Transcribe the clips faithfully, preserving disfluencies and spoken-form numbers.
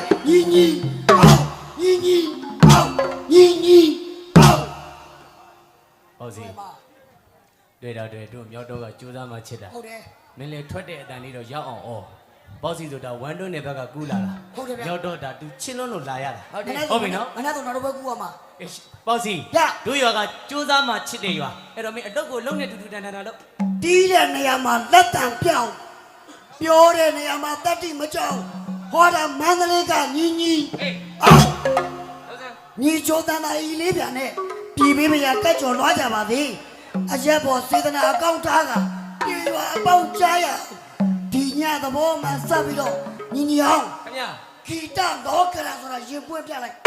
ညီညီအောင်ညီညီအောင်ညီညီအောင်ဟုတ်စီတွေ့တော့တွေ့တို့မြောက်တော့ကကြိုးစားမှချစ်တာဟုတ်တယ်မင်းလည်းထွက်တဲ့အတန်လေးတော့ရောက်အောင်ဩပေါ့စီဆိုတာဝမ်တွန်းတဲ့ဘက်ကကူးလာတာဟုတ်တယ်ဗျမြောက်တော့ဒါသူချင်းလုံးလို့လာရတာဟုတ်တယ်ဟုတ်ပြီနော်မနေ့ကတော့နောက်တော့ပဲကူရမှာပေါ့စီတို့ရွာကကြိုးစားမှချစ်တဲ့ရွာအဲ့တော့မင်းအတုပ်ကိုလုံးနဲ့တူတူတန်တန်တာလို့တီးတဲ့နေရာမှာလက်တံပြောင်းပြောတဲ့နေရာမှာတတ္တိမကြောက်ဟောတာမန္တလေးကညီညီအောင်ညီချိုးတန်တာဤလေးပြန်နဲ့ပြည်ပေးမရကက်ကျော်လွှားကြပါသေးအရက်ပေါ်စေတနာအကောင့်ထားကပြေရွာအပေါက်ကြားရဒီညသဘောမှစပ်ပြီးတော့ညီညီအောင်ခင်ဗျာဂီတတော့ကရဆိုတာရင်ပွင့်ပြလိုက်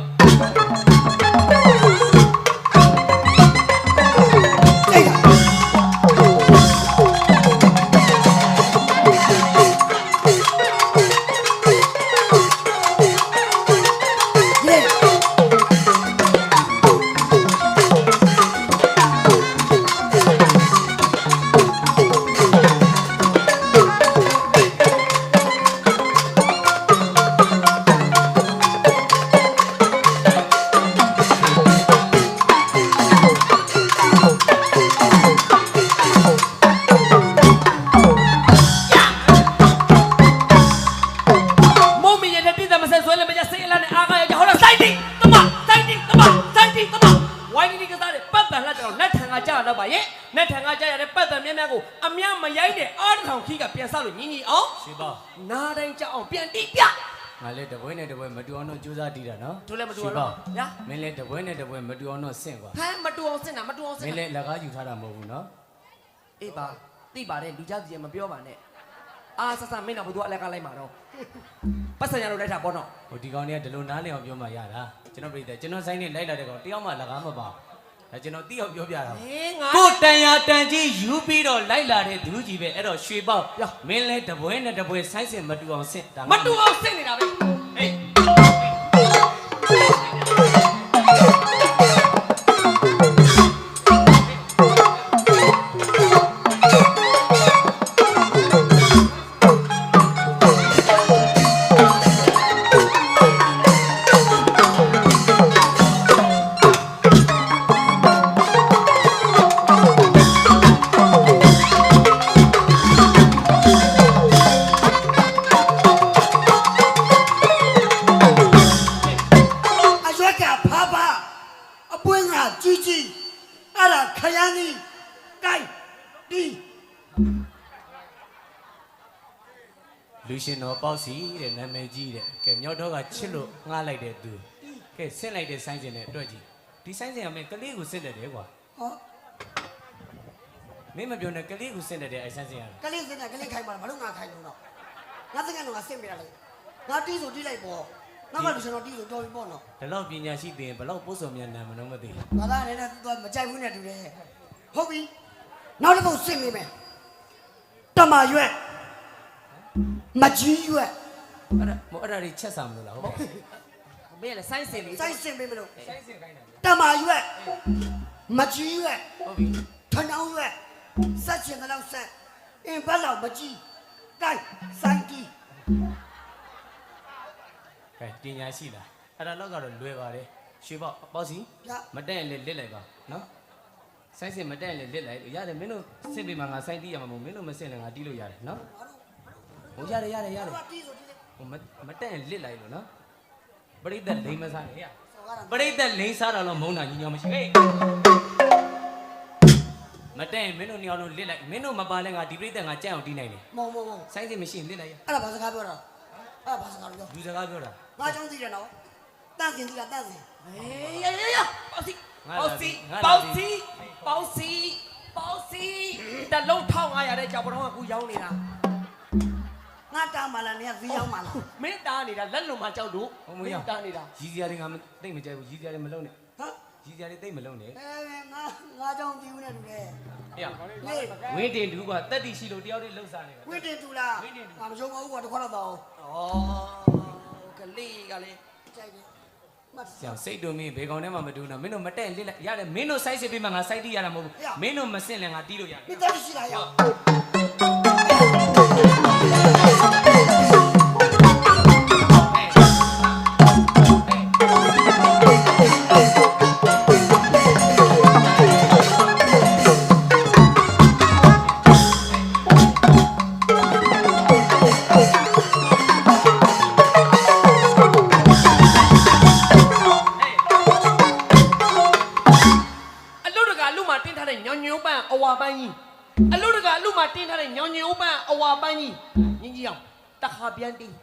နားတိုင်းကြောက်အောင်ပြန်တိပြငါလည်းတပွဲနဲ့တပွဲမတူအောင်တော့ကြိုးစားတီးတာနော်တို့လည်းမတူအောင်နော်ညာမင်းလည်းတပွဲနဲ့တပွဲမတူအောင်တော့ဆင့်ကွာဟမ်မတူအောင်ဆင့်တာမတူအောင်ဆင့်မင်းလည်းလက်ကားယူထားတာမဟုတ်ဘူးနော်အေးပါသိပါတယ်လူကြားစီမပြောပါနဲ့အာဆဆမင်းတော့ဘသူအလက်ကလိုက်မှာတော့ပတ်စံရလို့လိုက်တာပေါ့နော်ဟိုဒီကောင်တွေကဒီလိုနားလည်အောင်ပြောမှရတာကျွန်တော်ပြည်တယ်ကျွန်တော်ဆိုင်နဲ့လိုက်လာတဲ့ကောင်တယောက်မှလက်ကားမပါဒါကျွန်တော်တိအောင်ပြောပြတာကိုတန်ရတန်ကြီးယူပြီးတော့လိုက်လာတဲ့သူကြီးပဲအဲ့တော့ရွှေပေါက်မင်းလဲတပွဲနဲ့တပွဲဆိုင်းစင်မတူအောင်ဆင့်ဒါမတူအောင်ဆင့်နေတာပဲဟေးလူရှင်တော်ပေါ့စီတဲ့နာမည်ကြီးတဲ့ကဲမြောက်တော့ကချစ်လို့ငှားလိုက်တဲ့သူကဲဆင့်လိုက်တဲ့ဆိုင်းစင်နဲ့တွေ့ကြည့်ဒီဆိုင်းစင်ကမင်းကလေးကိုဆင့်တယ်တယ်ကွာဟောမင်းမပြောနဲ့ကလေးကိုဆင့်တယ်တဲ့အဲဆိုင်းစင်ကကလေးဆင့်တယ်ကလေးခိုင်ပါဘာလို့ငါခိုင်လို့တော့ငါတကယ်တော့ငါဆင့်ပြရလိုက်ငါတီးဆိုတီးလိုက်ပေါ့ငါကလူရှင်တော်တီးဆိုတော်ပြီပေါ့နော်ဒီလောက်ပညာရှိသေးရင်ဘလောက်ပို့စော်မြန်နာမလို့မသိဘူးငါသားလည်းတော့မကြိုက်ဘူးနဲ့တူတယ်ဟုတ်ပြီနောက်တစ်ပုတ်ဆင့်နေမယ်တမရွက်မကြီးရွက်အဲ့ဒါမအဲ့ဒါတွေချက်စားမလို့လားဟုတ်မင်းလည်းဆိုင်းစင်လေးဆိုင်းစင်ပေးမလို့ဆိုင်းစင်ခိုင်းတာတမရွက်မကြီးရွက်ဟုတ်ပြီထဏောင်းရွက်စက်ချင်တဲ့လောက်ဆက်အင်းဘက်လောက်မကြီးကိုက်စိုင်းတီးကဲပညာရှိလားအဲ့ဒါတော့ကတော့လွယ်ပါတယ်ရွှေပေါက်ပေါ့စီမတက်ရင်လည်းလစ်လိုက်ပါနော်ဆိုင်းစင်မတက်ရင်လည်းလစ်လိုက်ရတယ်မင်းတို့ဆင့်ပေးမှာငါဆိုင်းတီးရမှာမဟုတ်မင်းတို့မဆင့်လည်းငါတီးလို့ရတယ်နော်ဟိုရတယ်ရတယ်ရတယ်ဟိုမတက်ရင်လစ်လိုက်လို့နော်ပရိသတ်လိမ့်မစားနဲ့ရပရိသတ်လိမ့်စားတာတော့မုန်းတာညီညောမရှိဟေးမတက်ရင်မင်းတို့ညောင်လုံးလစ်လိုက်မင်းတို့မပါလဲငါဒီပရိသတ်ငါကြက်အောင်တီးနိုင်တယ်မဟုတ်မဟုတ်ဆိုင်းစင်မရှိရင်လစ်လိုက်ရအဲ့ဒါဘာစကားပြောတာအဲ့ဒါဘာစကားပြောလူစကားပြောတာငါကြောင်းသိတယ်နော်တန့်စင်သိတာတန့်စင်ဟေးရရရပေါ့စီပေါ့စီပေါ့စီပေါ့စီပေါ့စီတလုံးထောင်းငါရတဲ့ကြောက်ပတော်ကကူရောင်းနေတာငါတားမလားနေဈေးရောက်မလားမင်းတားနေတာလက်လုံမှာကြောက်လို့မင်းတားနေတာရီးစရာတွေငါသိမ့်မကြိုက်ဘူးရီးစရာတွေမလုံးနဲ့ဟမ်ရီးစရာတွေသိမ့်မလုံးနဲ့အဲငါငါကြောင့်ပြီးဦးနေတူတယ်ဟေ့ဝင်းတင်တူကတက်တီရှိလို့တယောက်တည်းလှုပ်စားနေတာဝင်းတင်တူလားငါမယုံပါဘူးကွာတခွက်တော့တော့ဩကလေးကလေးကြိုက်တယ်ဆရာစိတ်တို့မင်းဘေကောင်ထဲမှာမတူတော့မင်းတို့မတက်လစ်လိုက်ရတယ်မင်းတို့စိုက်စစ်ပေးမှငါစိုက်တီးရတာမဟုတ်ဘူးမင်းတို့မစင့်လဲငါတီးလို့ရတယ်မင်းတက်ရှိလားရညီညီအောင်တခါပြန်တီး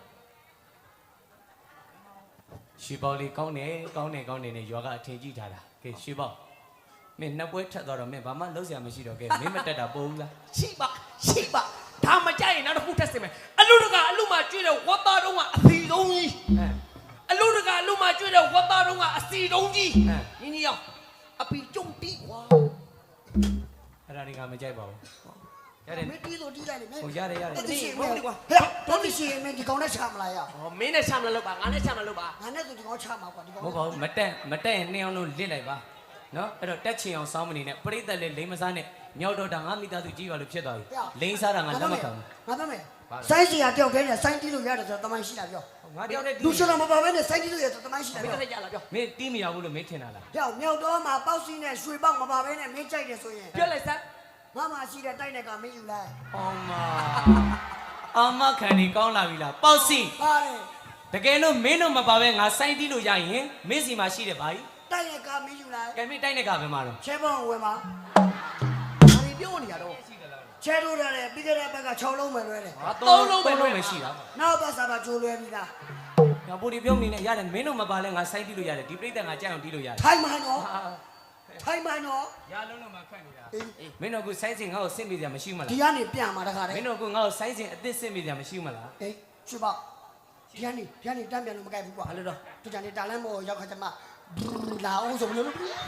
ရွှေပေါလေးကောင်းတယ်ကောင်းတယ်ကောင်းတယ်နဲ့ရွာကအထင်ကြီးထားတာကဲရွှေပေါမင်းနှစ်ပွဲထက်သွားတော့မင်းဘာမှလုံးစရာမရှိတော့ကဲမင်းမတက်တာပို့ဘူးလားရှိပါရှိပါဒါမကြိုက်ရင်နောက်တစ်ခုထပ်စင်မယ်အလူတကအလူမှကျွေးတဲ့ဝတ်သားတုံးကအစီတုံးကြီးဟမ်အလူတကအလူမှကျွေးတဲ့ဝတ်သားတုံးကအစီတုံးကြီးဟမ်ညီညီအောင်အပီကျုံတီးကွာအဲ့ဒါတွေကမကြိုက်ပါဘူးရတယ်မင်းတီးလို့တီးလိုက်လေမင်းဟိုရတယ်ရတယ်တိရှိမယ်ကွာဟဲ့တော့တိရှိမင်းဒီကောင်နဲ့ချမလားရဟောမင်းနဲ့ချမလို့ပါငါနဲ့ချမလို့ပါငါနဲ့သူဒီကောင်ချမှာကွာဒီကောင်မဟုတ်ပါဘူးမတက်မတက်ရင်နှစ်အောင်လုံးလစ်လိုက်ပါနော်အဲ့တော့တက်ချင်အောင်စောင်းမနေနဲ့ပြိတ္တလေးလိမ့်မစားနဲ့မြောက်တော့တာငါမိသားစုကြီးပါလို့ဖြစ်သွားပြီလိမ့်စားတာငါလက်မခံဘူးငါပြောမယ်စိုင်းစီကတယောက်တည်းနဲ့စိုင်းတီးလို့ရတယ်ဆိုတော့တမိုင်းရှိတာပြောငါတယောက်တည်းလူရှင်တော်မပါဘဲနဲ့စိုင်းတီးလို့ရဆိုတမိုင်းရှိတာမင်းပြောလည်းကြလာပြောမင်းတီးမရဘူးလို့မင်းထင်တာလားကြောက်မြောက်တော့မှာပေါက်စီနဲ့ရွှေပေါက်မပါဘဲနဲ့မင်းကြိုက်တယ်ဆိုရင်ပြောလိုက်စမ်းငါမှရှိတဲ့တိုက်တဲ့ကမင်းယူလိုက်အောင်မအမခံနေကောင်းလာပြီလားပေါ့စီပါတယ်တကယ်လို့မင်းတို့မပါပဲငါစိုင်းတီးလို့ရရင်မင်းစီမှာရှိတယ်ဗျာတိုက်တဲ့ကမင်းယူလိုက်ကဲမင်းတိုက်နေကပဲမှာတော့ချဲပေါင်းဝယ်မှာဘာတွေပြောနေရတော့ချဲထိုးရတယ်ပြီးခဲ့တဲ့ဘက်က၆လုံးပဲလွဲတယ်ဟာသုံးလုံးပဲလုံးမရှိတာနောက်ဘက်စားပါဂျိုးလွဲပြီးသားငါပူဒီပြုံးနေနဲ့ရတယ်မင်းတို့မပါလဲငါစိုင်းတီးလို့ရတယ်ဒီပြိတ္တငါကြိုက်အောင်တီးလို့ရတယ်ထိုင်မှန်တော့ထိုင်မှန်တော့ရလုံးလုံးမှာခတ်နေတာမင်းတို့ကစိုင်းစင်ငါ့ကိုဆင့်မိကြမရှိမလားဒီကနေပြန်มาတခါတည်းမင်းတို့ကငါ့ကိုစိုင်းစင်အစ်စ်ဆင့်မိကြမရှိမလားအေးရွှေပေါက်ဒီကနေဒီကနေတန်းပြန်လို့မကြိုက်ဘူးကွာဘာလို့တော့ဒီကနေတာလန်းမော်ရောက်ခါကျမှလာအောင်ဆိုလို့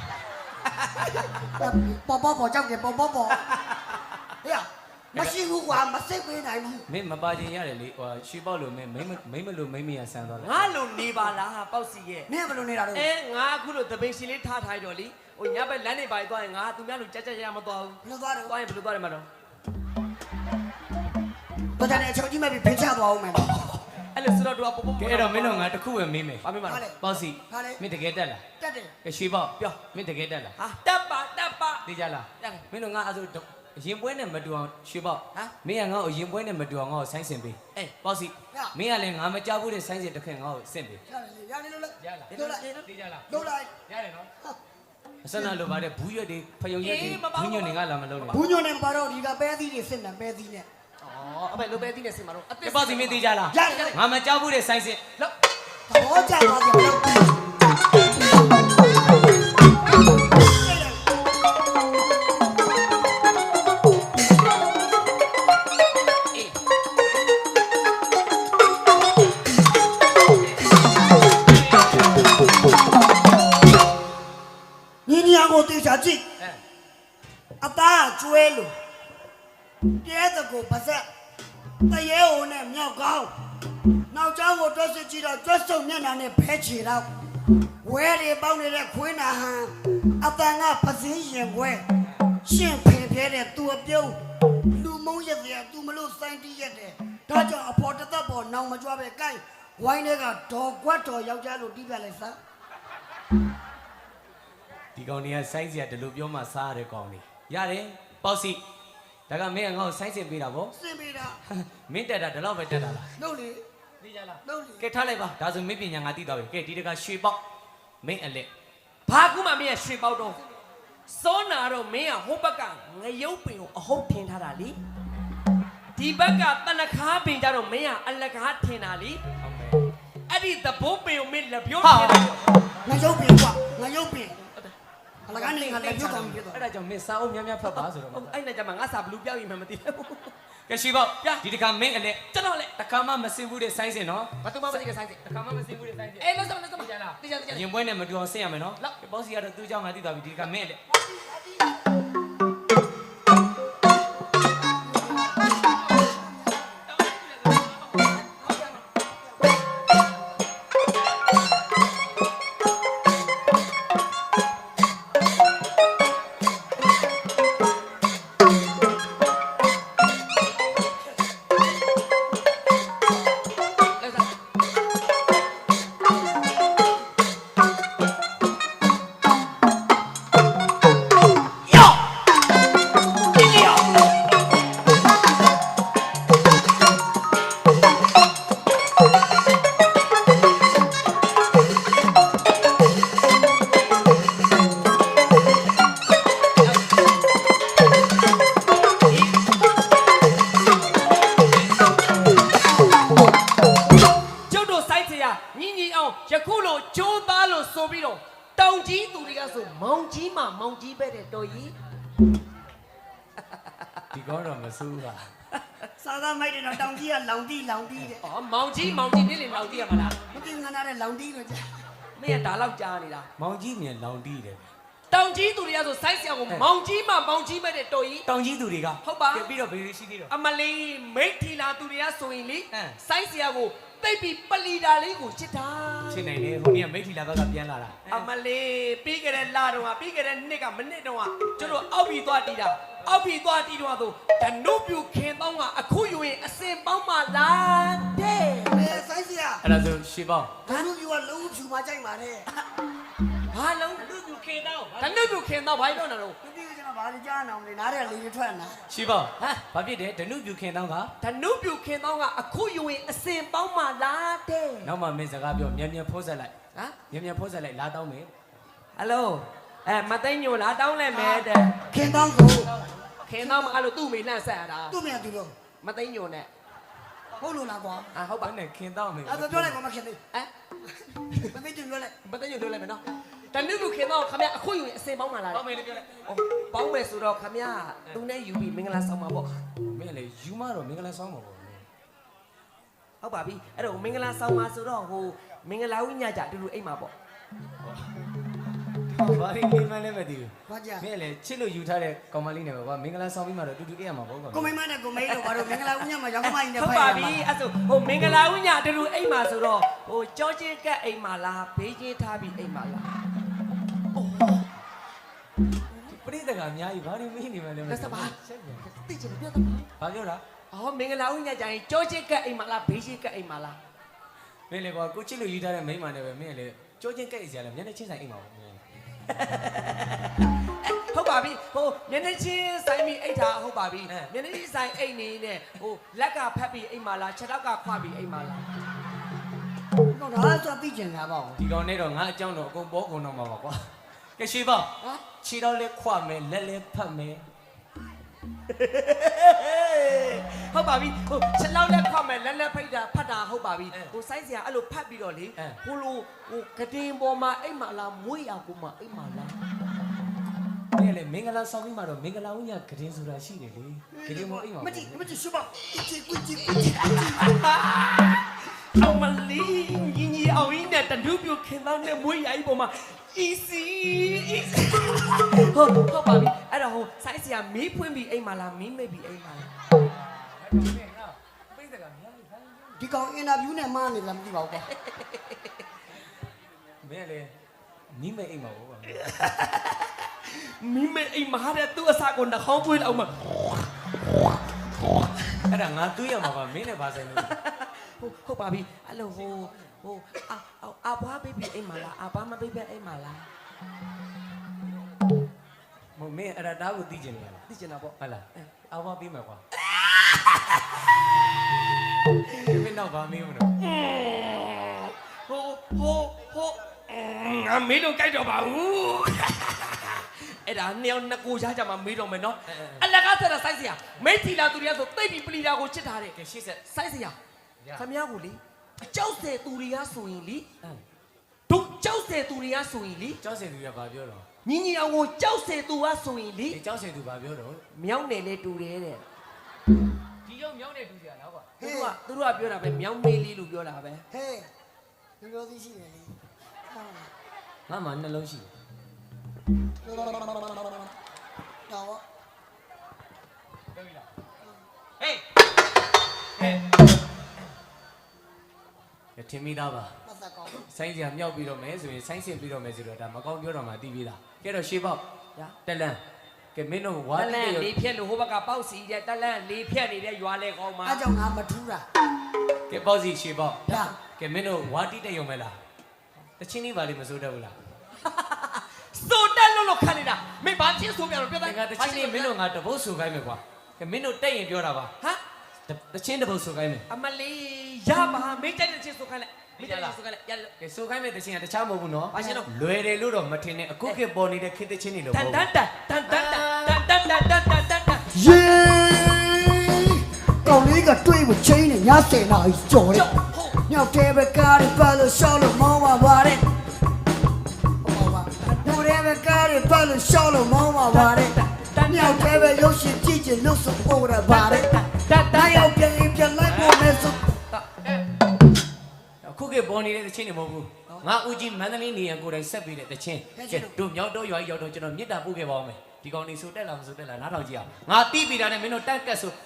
ပေါ်ပေါ်ပေါ်ကြောက်တယ်ပေါ်ပေါ်ပေါ်ဟေ့မရှိဘူးကွာမစိတ်ပေးနိုင်ဘူးမင်းမပါခြင်းရတယ်လေဟိုရွှေပေါက်လို့မင်းမိမမိမလို့မိမရဆန်းသွားတယ်ငါလိုနေပါလားပေါ့စီရဲ့မင်းဘယ်လိုနေတာတော့အဲငါအခုလိုသပိန်ရှင်လေးထားထားတော့လीဟိုညဘက်လမ်းနေပါသွားရင်ငါသူများလိုကြက်ကြက်ရမသွားဘူးဘယ်လိုသွားတယ်သွားရင်ဘယ်လိုသွားတယ်မတော့ဘာတန်းအချုပ်ကြီးမဲ့ပြီးဖိချသွားအောင်မယ်အဲ့လိုဆိုတော့သူကပုံပုံကဲအဲ့တော့မင်းတို့ငါတခုပဲမေးမယ်ဘာမေးမှာလဲပေါ့စီမင်းတကယ်တက်လားတက်တယ်ကဲရွှေပေါက်ပြောမင်းတကယ်တက်လားဟာတပ်ပါတပ်ပါသိကြလားတက်တယ်မင်းတို့ငါအဲ့ဆိုရင်ပွဲနဲ့မတူအောင်ရွှေပေါက်ဟမ်မင်းကငါ့ကိုရင်ပွဲနဲ့မတူအောင်ငါ့ကိုဆိုင်းစင်ပေးအေးပေါ့စီမင်းကလည်းငါမကြောက်ဘူးတဲ့ဆိုင်းစင်တစ်ခင်ငါ့ကိုဆင့်ပေးရတယ်လို့လေရလားလို့လိုက်သိကြလားလို့လိုက်ရတယ်နော်အစနာလိုပါတဲ့ဘူးရွက်တွေဖယုံရွက်တွေဘူးညွန့်တွေငါလာမလုံးနဲ့ဘူးညွန့်နေပါတော့ဒီကပဲသီးတွေစစ်နေပဲသီးနဲ့အော်အမေလိုပဲသိနေစင်မှာတော့အကဲပေါ့စီမင်းသိကြလားရတယ်ငါမကြောက်ဘူးတဲ့ဆိုင်းစင်လောက်သဘောကျသွားပြီလို့အေးညီညီအောင်ကိုတေချာကြည့်အဲအသားကျွဲလို့ကျဲတကိုပါဆက်တရေဟိုနဲ့မြောက်ကောင်းနောက်ကျောင်းကိုတွက်စစ်ကြည့်တော့တွက်စုံမျက်နှာနဲ့ဖဲချေတော့ဝဲတွေပေါက်နေတဲ့ခွေးနာဟန်အတန်ကပစင်းရင်ခွဲရှင့်ဖင်ပြဲတဲ့သူအပြုံးလူမုံရက်တဲ့သူမလို့စိုင်းတီးရက်တယ်ဒါကြောင့်အဖော်တသက်ပေါ်နောင်မကြွားပဲကိုင်းဝိုင်းတွေကဒေါ်ကွက်တော်ယောက်ျားလို့တီးပြလိုက်စမ်းဒီကောင်တွေကဆိုင်းစရာဒီလိုပြောမှစားရတဲ့ကောင်တွေရတယ်ပေါ့စီဒါကမင်းကငါ့ကိုဆိုင်းစင်ပေးတာဗောစင်ပေးတာမင်းတက်တာဒီလောက်ပဲတက်တာလားလို့လေသိကြလားလို့လေကဲထားလိုက်ပါဒါဆိုမင်းပညာငါသိသွားပြီကဲဒီတကရွှေပေါက်မင်းအလက်ဘာကူမှမင်းရရွှေပေါက်တော့စောနာတော့မင်းကဟိုဘက်ကငရုပ်ပင်ကိုအဟုတ်ထင်ထားတာလीဒီဘက်ကတနခါပင်ကြတော့မင်းကအလကားထင်တာလी ဟုတ်မယ်အဲ့ဒီသဘိုးပင်ကိုမင်းလက်ပြိုးဟာထင်တာငါရုပ်ပင်ကွာငါရုပ်ပင်အလကနေငါလက်ပြုတ်ကောင်းပြီတော့အဲ့ဒါကြောင့်မင်းစားအောင်များများဖတ်ပါဆိုတော့အဲ့နဲ့ကြမှာငါစာဘလူးပြောက်ရင်မှမသိဘူးကဲရွှေပေါက်ပြဒီတကမင်းအလက်ကျွန်တော်လေတခါမှမစင်ဘူးတဲ့ဆိုင်းစင်နော်ဘာသူမှမသိကဆိုင်စီတခါမှမစင်ဘူးတဲ့ဆိုင်းစင်အေးလို့စမလို့စမကြလားသိကြသိကြရင်ပွဲနဲ့မတူအောင်ဆင်ရမယ်နော်ကဲပေါ့စီကတော့သူ့เจ้าငါသိသွားပြီဒီတကမင်းအလက်ညီညီအောင်ယခုလိုကြိုးသားလို့ဆိုပြီးတော့တောင်ကြီးသူတွေကဆိုမောင်ကြီးမှမောင်ကြီးပဲတဲ့တော်ကြီးဒီကောတော့မစိုးပါစာသားမိုက်တယ်တော့တောင်ကြီးကလောင်တီးလောင်တီးတဲ့။အော်မောင်ကြီးမောင်ကြီးနေလေမောင်ကြီးရမလားမသိငါနာတဲ့လောင်တီးလို့ကြာ။မင်းကဒါလောက်ကြားနေတာမောင်ကြီးမြန်လောင်တီးတယ်။တောင်ကြီးသူတွေကဆိုစိုက်ဆရာကိုမောင်ကြီးမှမောင်ကြီးပဲတဲ့တော်ကြီးတောင်ကြီးသူတွေကဟုတ်ပါကဲပြီးတော့ဘယ်လိုရှိသေးတော့အမလီမိတ်ထီလာသူတွေကဆိုရင်လေဟမ်စိုက်ဆရာကိုတိတ်ပြီးပလီတာလေးကိုချစ်တာရှင်းနိုင်တယ်ဟိုနေ့ကမိတ်ထီလာဘက်ကပြန်လာတာအမလီပြီးကြတဲ့လာတော့ကပြီးကြတဲ့နှစ်ကမနစ်တော့ကကျတို့အောက်ပြီးသွားတီးတာအောက်ပြီးသွားတီးတော့ဆိုဓနုပြူခင်တောင်းကအခုယူရင်အစင်ပေါင်းမှလာတဲ့အဲဆိုင်စီယာအဲ့ဒါဆိုရှေ့ပေါင်းဘာလို့ပြောလုံးဖြူမကြိုက်ပါနဲ့ဘာလုံးဓနုပြူခင်တောင်းဓနုပြူခင်တောင်းဘာလို့တော့နော်မသိဘူးကျွန်တော်ဘာလို့ကြားနေအောင်လဲနားထဲလေထွက်လာရှေ့ပေါင်းဟမ်ဘာဖြစ်တယ်ဓနုပြူခင်တောင်းကဓနုပြူခင်တောင်းကအခုယူရင်အစင်ပေါင်းမှလာတဲ့နောက်မှမင်းစကားပြောမြန်မြန်ဖိုးဆက်လိုက်ဟမ်မြန်မြန်ဖိုးဆက်လိုက်လာတောင်းမယ်ဟယ်လိုအဲမသိညိုလားတောင်းလိုက်မယ်တဲ့ခင်တောင်းကိုခင်တောင်းမအဲ့လိုသူ့မိလှန့်ဆက်ရတာသူ့မြန်သူတော့မသိညိုနဲ့ဟုတ်လို့လားကွာအာဟုတ်ပါဘာနဲ့ခင်တောင်းမယ်အဲ့ဒါပြောလိုက်ကွာမခင်သေးဟမ်မသိကြပြောလိုက်မသိညိုပြောလိုက်မယ်နော်ဓနုပြူခင်တောင်းခမရအခုယူရင်အစင်ပေါင်းမှလာတောင်းတဲ့မယ်လို့ပြောလိုက်ပေါင်းမယ်ဆိုတော့ခမရသူနဲ့ယူပြီးမင်္ဂလာဆောင်ပါပေါ့မင်းလေယူမတော့မင်္ဂလာဆောင်ပါဘောဟုတ်ပါပြီအဲ့တော့မင်္ဂလာဆောင်ပါဆိုတော့ဟိုမင်္ဂလာဝိညာကြအတူတူအိမ်မှာပေါ့ဘာရင်းနေမှလည်းမသိဘူးဘာကြာမင်းလေချစ်လို့ယူထားတဲ့ကောင်မလေးနဲ့ပဲကွာမင်္ဂလာဆောင်ပြီးမှတော့တူတူအေးရမှာပေါ့ကွာကိုမိမနဲ့ကိုမိတော့ဘာလို့မင်္ဂလာဦးညမှာရောက်မှနေဟုတ်ပါပြီအဲ့ဆိုဟိုမင်္ဂလာဝိညာအတူတူအိမ်မှာဆိုတော့ဟိုကြောချင်းကက်အိမ်မှာလားဘေးချင်းထားပြီးအိမ်မှာလားပရိသတ်ကအများကြီးဘာလို့မင်းနေမှလည်းမလက်စပါဆက်ပြန်သိချင်တယ်ပြောသမားဘာပြောတာအော်မင်္ဂလာဝိညာကြရင်ကြောချင်းကက်အိမ်မှာလားဘေးချင်းကက်အိမ်မှာလားမင်းလေကွာကိုချစ်လို့ယူထားတဲ့မိန်းမနဲ့ပဲမင်းလေကြောချင်းကြိုက်စရာလဲမျက်နှာချင်းဆိုင်အိမ်မှာပေါ့မင်းဟုတ်ပါပြီဟိုမျက်နှာချင်းဆိုင်ပြီးအိတ်ထားဟုတ်ပါပြီမျက်နှာချင်းဆိုင်အိတ်နေနဲ့ဟိုလက်ကဖက်ပြီးအိမ်မှာလားခြေထောက်ကခွာပြီးအိမ်မှာလားတော့ဒါဆိုသိကျင်တာပေါ့ဒီကောင်နဲ့တော့ငါအကြောင်းတော့အကုန်ပေါ်ကုန်တော့မှာပါကွာကဲရှိပါဟမ်ခြေတော့လဲခွမယ်လက်လဲဖတ်မယ်ဟုတ်ပါပြီဟိုချက်လောက်လက်ခွမယ်လက်လက်ဖိတ်တာဖတ်တာဟုတ်ပါပြီဟိုစိုင်းစရာအဲ့လိုဖတ်ပြီးတော့လေဟိုလိုဟိုကတင်ပေါ်မှာအိမ်မှာလားမွေးရကူမှာအိမ်မှာလားမင်းလေမင်္ဂလာဆောင်ပြီးမှတော့မင်္ဂလာဦးညဂရင်ဆိုတာရှိတယ်လေဂရင်မအိမ်မှာမကြည့်မကြည့်ရှုပါကြည့်ကြည့်ကြည့်ကြည့်အမလီညီညီအောင်င်းနဲ့တနုပြခင်သောနဲ့မွေးရကြီးပေါ်မှာ easy easy ဟုတ်ဟုတ်ပါပြီအဲ့တော့ဟိုစိုင်းစရာမီးဖွင့်ပြီးအိမ်မှာလားမီးမိတ်ပြီးအိမ်မှာလားပိတ်ကများကြီးဒီကောင်အင်တာဗျူးနဲ့မှားနေလားမသိပါဘူးကွာမင်းလေနီးမဲ့အိမ်မှာပေါ့ကွာမီးမိတ်အိမ်မှာတဲ့သူ့အစာကိုနှာခေါင်းပွေးလောက်မှာအဲ့ဒါငါတွေးရမှာပါမင်းနဲ့ဘာဆိုင်လို့ဟုတ်ဟုတ်ပါပြီအဲ့လိုဟိုဟိုအာအာဘွားဘေဘီအိမ်မှာလားအာဘွားမဘေဘီအိမ်မှာလားမမင်းအဲ့ဒါတားကိုသိကျင်နေရလားသိချင်တာပေါ့ဟုတ်လားအဝါပြီးမှာကွာမင်းတော့ဗာမင်းမလို့ဟိုဟိုဟိုငါမေးတော့ကြိုက်တော့ပါဘူးအဲ့ဒါနှစ်ယောက်နှစ်ကိုရှားကြမှာမေးတော့မယ်နော်အလကားဆက်တာစိုက်စရာမိတ်ထီလာသူတွေကဆိုတိတ်ပြီးပလီတာကိုချစ်ထားတယ်ကဲရှေ့ဆက်စိုက်စရာခမရကိုလေအကြောက်တဲ့သူတွေကဆိုရင်လေအမ်တို့ကြောက်တဲ့သူတွေကဆိုရင်လေကျောက်စင်သူကဘာပြောတော့ညီညီအောင်ကိုကြောက်တဲ့သူကဆိုရင်လေဒီကျောက်စင်သူဘာပြောတော့မြောင်းနယ်နဲ့တူတယ်တဲ့ဒီရောက်မြောင်းနေတူကြလားကွာသူတို့ကသူတို့ကပြောတာပဲမြောင်းမေးလေးလို့ပြောတာပဲဟဲ့ဒီလိုသိရှိတယ်လေငါမှနှလုံးရှိတော့တယ်ဟေးဟေးထင်မိသားပါပတ်သက်ကောင်းဆိုင်းစရာမြောက်ပြီးတော့မယ်ဆိုရင်ဆိုင်းစင်ပြီးတော့မယ်ဆိုတော့ဒါမကောင်းပြောတော့မှသိပြီးသားကဲတော့ရှေးပေါက်ညာတက်လန်းကဲမင်းတို့ဝါတတိလတဲ့န့်ရုပ်လေးဖြက်လို့ဟိုဘက်ကပေါက်စီတဲ့တလန့်လေးဖြက်နေတဲ့ရွာလေကောင်းမှာအားကြောင့်ငါမထူးတာကဲပေါ့စီရှေးပေါက်ဒါကဲမင်းတို့ဝါတိတဲ့ရုံပဲလားတချင်းလေးပါလိမစိုးတတ်ဘူးလားစိုးတက်လို့လို့ခတ်နေတာမင်းဘာချင်းဆိုပြန်လို့ပြောတတယ်ကတချင်းလေးမင်းတို့ငါတပုတ်ဆိုခိုင်းမယ်ကွာကဲမင်းတို့တက်ရင်ပြောတာပါဟမ်တချင်းတပုတ်ဆိုခိုင်းမယ်အမလေးရပါမင်းကြိုက်တဲ့ချင်းဆိုခိုင်းလိုက်မင်းကြိုက်တဲ့ဆိုခိုင်းလိုက်ရကဲဆိုခိုင်းမယ်တချင်းကတခြားမဟုတ်ဘူးနော်ဘာရှင်တော့လွယ်တယ်လို့တော့မထင်နဲ့အခုခေတ်ပေါ်နေတဲ့ခေတ်တချင်းတွေလို့တမန်ဟုတ်တဘူးန်တန်တန်တန်တန်တန်တန်တန်တန်တန်တန်ယေကောင်လေးကတွေးဖို့ချင်းနေညဆယ်နာကြီးကြော်တယ်ဟုတ်မြောက်တဲ့ဘက်ကားတွေပတ်လို့ရှောက်လို့မောင်းပါပါတယ်ဟောပါဒူတဲ့ဘက်ကားတွေပတ်လို့ရှောက်လို့မောင်းပါပါတယ်မြောက်တဲ့ဘက်ရုပ်ရှင်ကြည့်ချင်လို့ဆိုပေါ်ရပါတယ်ဒါရောက်ပြန်ပြန်လိုက်ဖို့မဲဆိုခုခေတ်ပေါ်နေတဲ့တချင်းတွေမဟုတ်ဘူးငါဦးကြီးမန္တလေးနေရန်ကိုယ်တိုင်ဆက်ပြီးတဲ့တချင်းကဲတို့မြောက်တော့ရွာကြီးရောက်တော့ကျွန်တော်မြစ်တာပို့ခဲ့ပါအောင်မယ်ဒီကောင်နေဆိုတက်လာမဆိုတက်လာနားထောင်ကြည့်အောင်ငါတီးပြီးတာနဲ့မင်းတို့တက်ကတ်ဆို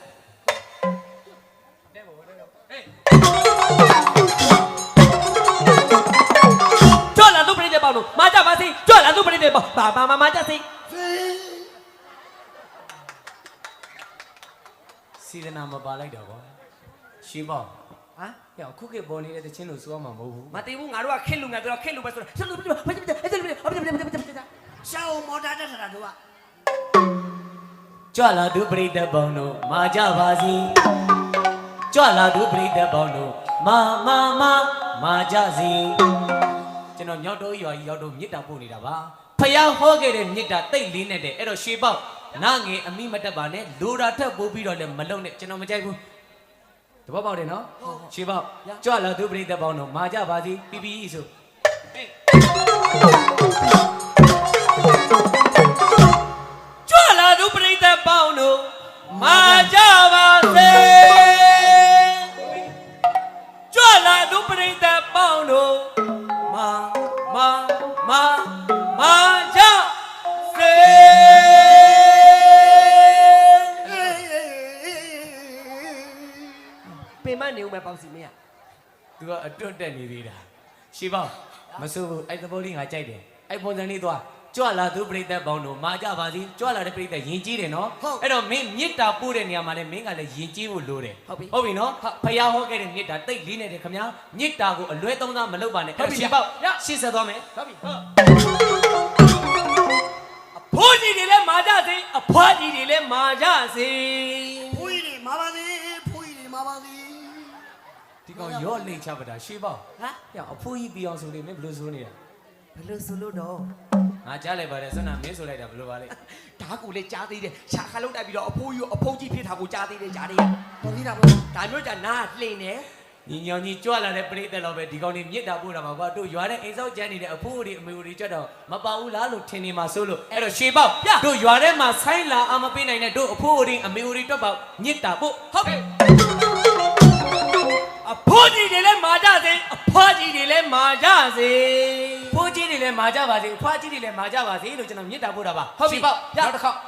ကြွလာသူပြိတဲ့ပေါင်းလို့မာကြပါစေကြွလာသူပြိတဲ့ပေါင်းဘာဘာမမာကြစေစီဒနာမပါလိုက်တော့ကွာရှင်းပါဟမ်ဟဲ့ခုခေတ်ပေါ်နေတဲ့တချင်းလို့ဆိုရမှာမဟုတ်ဘူးမသိဘူးငါတို့ကခက်လူငါတို့ကခက်လူပဲဆိုတော့ဆက်လို့ပြဘာဖြစ်အဲ့ဒါပြဘာဖြစ်ပြဘာဖြစ်ပြရှောင်းမော်တာတက်တာတို့ကကြွလာသူပရိသတ်ပေါင်းတို့မာကြပါစီကြွလာသူပရိသတ်ပေါင်းတို့မာမာမာမာကြစီကျွန်တော်မြောက်တော့ရွာကြီးရောက်တော့မြစ်တာပို့နေတာပါဖျားဟောခဲ့တဲ့မြစ်တာတိတ်လေးနဲ့တဲ့အဲ့တော့ရှေးပေါက်နာငယ်အမိမတက်ပါနဲ့လိုတာထက်ပို့ပြီးတော့လည်းမလုံနဲ့ကျွန်တော်မကြိုက်ဘူးတပတ်ပေါက်တယ်နော်ရှေးပေါက်ကြွလာသူပရိသတ်ပေါင်းတို့မာကြပါစီပြီးပြီးဆိုကြွလာသူပြိတဲ့ပေါင်းတို့မာကြပါစေကြွလာသူပြိတဲ့ပေါင်းတို့မာမာမာမာကြစေ ပင်မနေဦးမယ်ပေါ့စီမင်းသူကအတွတ်တက်နေသေးတာရှေးပေါက်မစိုးဘူးအဲ့သဘောလေးငါကြိုက်တယ်အဲ့ပုံစံလေးသွားကြွလာသူပြိတ္တပေါင်းတို့မာကြပါစီကြွလာတဲ့ပြိတ္တယဉ်ကျေးတယ်နော်အဲ့တော့မင်းမြစ်တာပို့တဲ့နေရာမှာလည်းမင်းကလည်းယဉ်ကျေးဖို့လိုတယ်ဟုတ်ပြီဟုတ်ပြီနော်ဖျားဟောခဲ့တဲ့မြစ်တာတိတ်လေးနေတယ်ခင်ဗျာမြစ်တာကိုအလွဲသုံးစားမလုပ်ပါနဲ့အဲ့ရှေးပေါက်ရှေ့ဆက်သွားမယ်ဟုတ်ပြီအဖိုးကြီးတွေလည်းမာကြစေအဖွားကြီးတွေလည်းမာကြစေဖူးကြီးတွေမာပါစေဖူးကြီးတွေမာပါစေဒီကောင်ရော့လိမ့်ချပါတာရှေးပေါက်ဟမ်ဟဲ့အဖိုးကြီးပြောင်းဆိုနေမင်းဘယ်လိုဆိုနေတာဘယ်လိုဆိုလို့တော့ငါကြားလိုက်ပါတယ်ဆွမ်းနာမင်းဆိုလိုက်တာဘယ်လိုပါလဲဓာတ်ကိုလည်းကြားသေးတယ်ရှာခါလုံးတိုက်ပြီးတော့အဖိုးကြီးအဖိုးကြီးဖြစ်တာကိုကြားသေးတယ်ကြားသေးရတော်သေးတာပေါ့ဒါမျိုးじゃနားလှိန်နေညီညောင်ကြီးကြွလာတဲ့ပြိတ္တတော့ပဲဒီကောင်ကြီးမြစ်တာပို့တာပါကွာတို့ရွာတဲ့အိမ်ဆောက်ကျန်းနေတဲ့အဖိုးတွေအမေတွေကြတော့မပါဘူးလားလို့ထင်နေမှာဆိုလို့အဲ့တော့ရှေးပေါက်တို့ရွာထဲမှာဆိုင်းလာအမပေးနိုင်တဲ့တို့အဖိုးတွေအမေတွေတွက်ပေါက်မြစ်တာပို့ဟုတ်ကဲ့အဖိုးကြီးတွေလည်းမာကြစေအဖွားကြီးတွေလည်းမာကြစေဖိုးကြီးတွေလည်းမာကြပါစေအဖွားကြီးတွေလည်းမာကြပါစေလို့ကျွန်တော်မြစ်တာပို့တာပါဟုတ်ပြီပေါ့နောက်တစ်ခေါက်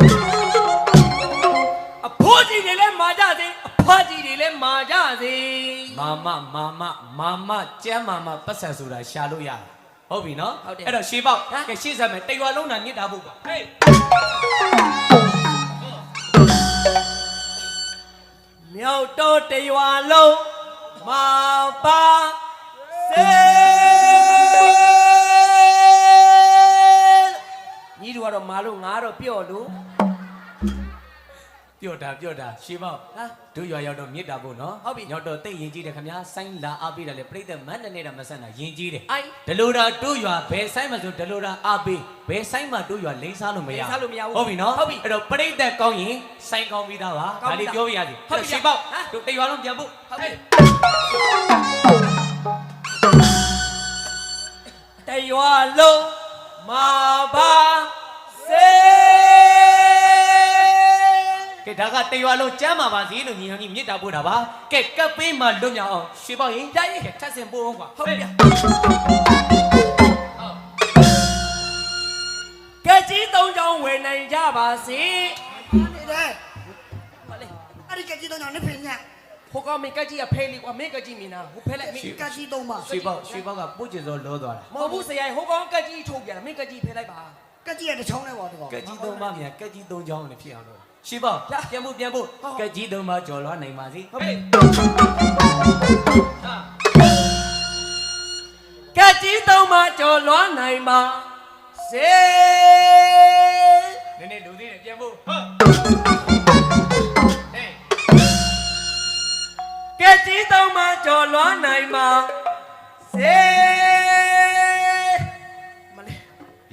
အဖိုးကြီးတွေလည်းမာကြစေအဖွားကြီးတွေလည်းမာကြစေမာမမာမမာမကျမ်းမာမပတ်ဆက်ဆိုတာရှာလို့ရတာဟုတ်ပြီနော်အဲ့တော့ရှေးပေါက်ကဲရှေ့ဆက်မယ်တိတ်ရွာလုံးတာမြစ်တာပို့ပါဟေးမြောက်တော့တရွာလုံးမာပါစေညီတို့ကတော့မာလို့ငါတော့ပြော့လို့ပြော့တာပြော့တာရှေးပေါက်ဟာတို့ရွာရောက်တော့မြစ်တာပို့နော်ဟုတ်ပြီရောက်တော့တိတ်ရင်ကြီးတယ်ခင်ဗျာဆိုင်းလာအားပေးတယ်လေပြိတ္တမန်းနဲ့နေတာမဆန်တာရင်ကြီးတယ်အိုင်ဒလိုတာတို့ရွာဘယ်ဆိုင်မှာဆိုဒလိုတာအားပေးဘယ်ဆိုင်မှာတို့ရွာလိမ့်စားလို့မရဟုတ်ပြီနော်ဟုတ်ပြီအဲ့တော့ပြိတ္တကောင်းရင်ဆိုင်ကောင်းပြီးသားပါဒါလေးပြောပြရစီဟုတ်ပြီရှေးပေါက်တို့တိတ်ရွာလုံးပြန်ပို့ဟုတ်ပြီတရွာလုံးမာပါစေကဲဒါကတရွာလုံးကျမ်းမာပါစေလို့ညီဟောင်ကြီးမြစ်တာပို့တာပါကဲကပ်ပေးမှလွတ်မြောက်အောင်ရှေးပေါက်ရင်တိုက်ရင်ထပ်ဆင်ပို့အောင်ကွာဟုတ်ပြီကဲကြီးသုံးချောင်းဝယ်နိုင်ကြပါစေနေတယ်အဲ့ဒီကကြီးတော့ညနေဖိညာဟိုကောင်မင်းကကြီးကဖဲလေးကွာမင်းကကြီးမြင်တာဟိုဖဲလိုက်မင်းကကြီးတော့မှာရှေးပေါက်ရှေးပေါက်ကပို့ကျင်စောလောသွားတာမဟုတ်ဘူးဆရာဟိုကောင်ကကြီးထုတ်ပြန်တာမင်းကကြီးဖဲလိုက်ပါကကြီးရတစ်ချောင်းနဲ့ပေါ့တော့ကက်ကြီးသုံးပါးမြန်ကက်ကြီးသုံးချောင်းနဲ့ဖြစ်အောင်လို့ရှေးပေါက်ပြန်ဖို့ပြန်ဖို့ကက်ကြီးသုံးပါးကြော်လွှားနိုင်ပါစေဟုတ်ပြီကကြီးသုံးပါကြော်လွှားနိုင်ပါစေနည်းနည်းလူသေးတယ်ပြန်ဖို့ဟုတ်ဟေးကကြီးသုံးပါကြော်လွှားနိုင်ပါစေ